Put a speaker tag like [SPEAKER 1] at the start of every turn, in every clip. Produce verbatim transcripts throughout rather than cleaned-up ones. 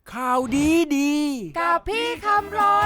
[SPEAKER 1] ข่าวดีดี
[SPEAKER 2] กับพี่คำรน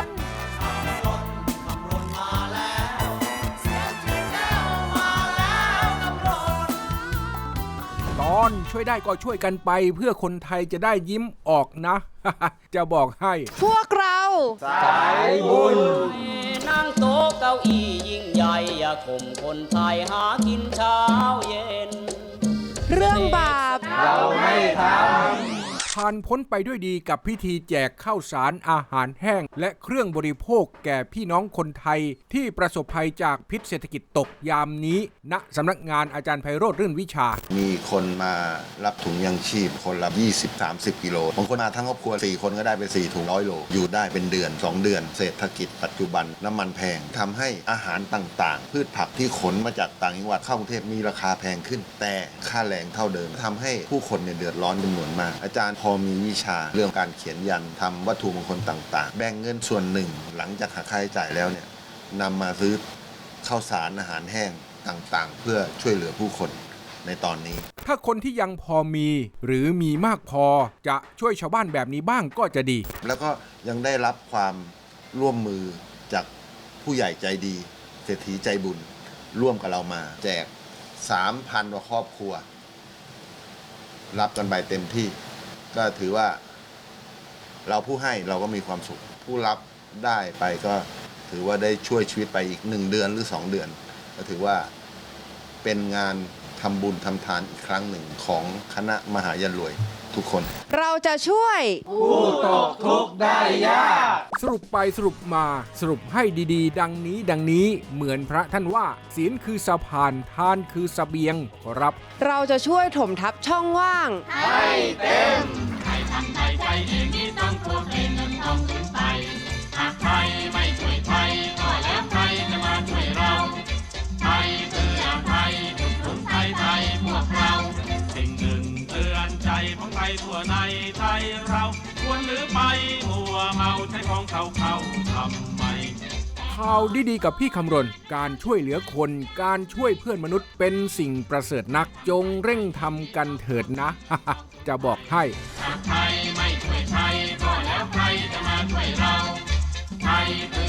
[SPEAKER 1] ตอนช่วยได้ก็ช่วยกันไปเพื่อคนไทยจะได้ยิ้มออกนะ จะบอกให้
[SPEAKER 2] พวกเรา
[SPEAKER 3] สายบุญ
[SPEAKER 4] นั่งโต๊ะเก้าอี้ยิ่งใหญ่อย่าข่มคนไทยหากินเช้าเย็น
[SPEAKER 2] เรื่องบาป
[SPEAKER 3] เราไม่ทำ
[SPEAKER 1] ผ่านพ้นไปด้วยดีกับพิธีแจกข้าวสารอาหารแห้งและเครื่องบริโภคแก่พี่น้องคนไทยที่ประสบภัยจากพิษเศรษฐกิจตกยามนี้ณสำนักงานอาจารย์ไพโรจน์รื่นวิชา
[SPEAKER 5] มีคนมารับถุงยังชีพคนละ ยี่สิบถึงสามสิบ กิโลบางคนมาทั้งครอบครัวสี่คนก็ได้ไปสี่ถุงร้อยโลอยู่ได้เป็นเดือนสองเดือนเศรษฐกิจปัจจุบันน้ำมันแพงทำให้อาหารต่างๆพืชผักที่ขนมาจากต่างจังหวัดเข้ากรุงเทพมีราคาแพงขึ้นแต่ค่าแรงเท่าเดิมทำให้ผู้คนเนี่ยเดือดร้อนจำนวนมากอาจารย์พอมีวิชาเรื่องการเขียนยันทำวัตถุมงคลต่างๆแบ่งเงินส่วนหนึ่งหลังจากหักค่าใช้จ่ายแล้วเนี่ยนำมาซื้อข้าวสารอาหารแห้งต่างๆเพื่อช่วยเหลือผู้คนในตอนนี้
[SPEAKER 1] ถ้าคนที่ยังพอมีหรือมีมากพอจะช่วยชาวบ้านแบบนี้บ้างก็จะดี
[SPEAKER 5] แล้วก็ยังได้รับความร่วมมือจากผู้ใหญ่ใจดีเศรษฐีใจบุญร่วมกับเรามาแจก สามพัน กว่าครอบครัวรับกันไปเต็มที่ก็ถือว่าเราผู้ให้เราก็มีความสุขผู้รับได้ไปก็ถือว่าได้ช่วยชีวิตไปอีกหนึ่งเดือนหรือสองเดือนก็ถือว่าเป็นงานทำบุญทำทานอีกครั้งหนึ่งของคณะมหายันรวยทุกคน
[SPEAKER 2] เราจะช่วย
[SPEAKER 3] ผู้ตกทุกข์ได้ยาก
[SPEAKER 1] สรุปไปสรุปมาสรุปให้ดีๆดังนี้ดังนี้เหมือนพระท่านว่าศีลคือสะพานทานคือเสบียงครับ
[SPEAKER 2] เราจะช่วยถมทับช่องว่าง
[SPEAKER 3] ให้เต็ม
[SPEAKER 6] ใครทำไทยใจดีนี้ต้องท่วมดินนั้นต้องขึ้นไปหากไทยไม่ช่วยไทยก็แล้วใครจะมาช่วยเราไทยเพื่อไทยทุกคนไทยไทยพวกเราสิ่งหนึ่งเตือนใจของไทยทั่วในไทยเราควรหรือไปมัวเมาใช้ของเขาเขาทำไม
[SPEAKER 1] ข่าวดีๆกับพี่คำรณการช่วยเหลือคนการช่วยเพื่อนมนุษย์เป็นสิ่งประเสริฐนักจงเร่งทำกันเถิดนะ จะบอกให้
[SPEAKER 6] หากไทยไม่ช่วยไทยก็แล้วใครจะมาช่วยเราไทย